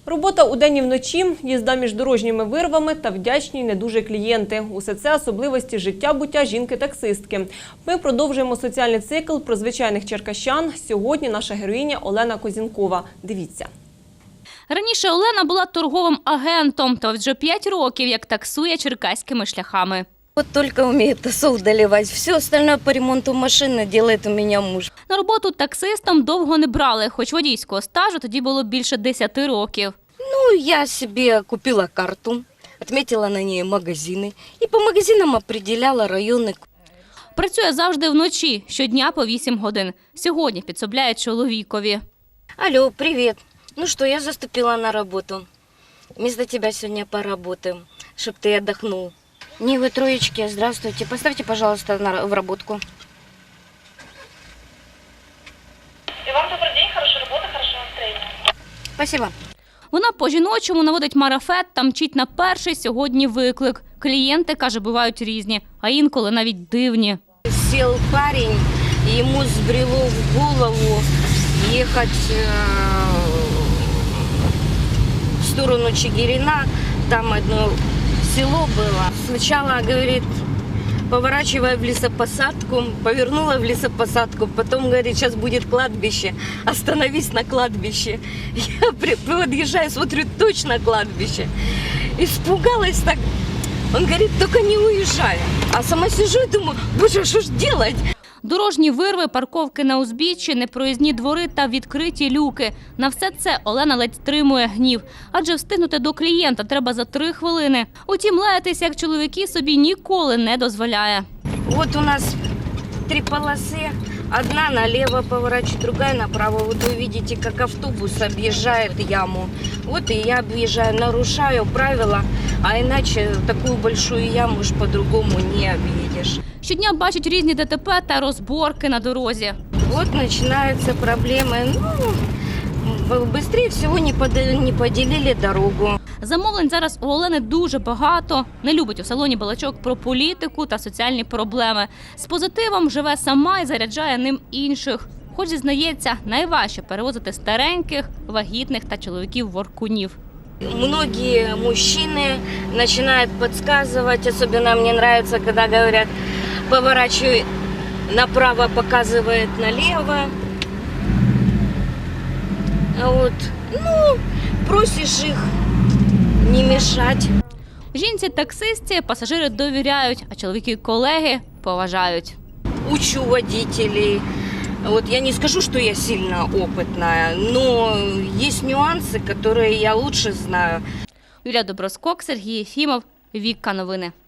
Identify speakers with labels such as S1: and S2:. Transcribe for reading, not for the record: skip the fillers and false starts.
S1: Робота удень і вночі, їзда між дорожніми вирвами та вдячні не дуже клієнти. Усе це особливості життя-буття жінки-таксистки. Ми продовжуємо соціальний цикл про звичайних черкащан. Сьогодні наша героїня Олена Козінкова. Дивіться.
S2: Раніше Олена була торговим агентом, та вже 5 років як таксує черкаськими шляхами.
S3: Вот только умеет тосол доливать. Все остальное по ремонту машины делает у меня муж.
S2: На роботу таксистом довго не брали, хоч водійського стажу тоді було більше 10 років.
S3: Ну, я себе купила карту, отметила на ней магазины и по магазинам определяла районы.
S2: Працює завжди вночі, щодня по 8 годин. Сьогодні підсобляє чоловікові.
S3: Алло, привет. Ну что, я заступила на работу. Вместо тебя сегодня поработаем, чтоб ты отдохнул. Не вы троечки, здравствуйте. Поставьте, пожалуйста, в работку.
S4: И вам добрый день, хорошей работы, хорошего настроения.
S3: Спасибо.
S2: Вона по-жіночому наводить марафет та мчить на перший сьогодні виклик. Клієнти, каже, бувають різні, а інколи навіть дивні.
S3: Сел парень, и ему сбрело в голову ехать в сторону Чигирина. Там одно село было. Сначала, говорит, поворачивая в лесопосадку, повернула в лесопосадку, потом, говорит, сейчас будет кладбище, остановись на кладбище. Я подъезжаю, смотрю, точно кладбище. Испугалась так. Он говорит, только не уезжай. А сама сижу и думаю, боже, что ж делать?
S2: Дорожні вирви, парковки на узбіччі, непроїзні двори та відкриті люки. На все це Олена ледь стримує гнів. Адже встигнути до клієнта треба за 3 хвилини. Утім, лаятися, як чоловіки, собі ніколи не дозволяє.
S3: Вот у нас 3 полосы. Одна налево поворачивает, другая направо. Вот вы видите, как автобус объезжает яму. Вот и я объезжаю, нарушаю правила, а иначе такую большую яму уж по-другому не объедешь.
S2: Щодня бачать різні ДТП та розборки на дорозі.
S3: Вот начинаются проблемы. Ну, быстрее всего не поделили дорогу.
S2: Замовлень зараз у Олени дуже багато. Не любить у салоні балачок про політику та соціальні проблеми. З позитивом живе сама і заряджає ним інших. Хоч, зізнається, найважче перевозити стареньких, вагітних та чоловіків-воркунів.
S3: Многие мужчины начинают подсказывать, особенно мне нравится, когда говорят, поворачивай направо, показывает налево. Вот. Ну, просишь их не мешать.
S2: Жінці-таксистці пасажири довіряють, а чоловіки-колеги поважають.
S3: Учу водителей. Вот я не скажу, что я сильно опытная, но есть нюансы, которые я лучше знаю.
S2: Юлія Доброскок, Сергій Єфімов, Вікка Новини.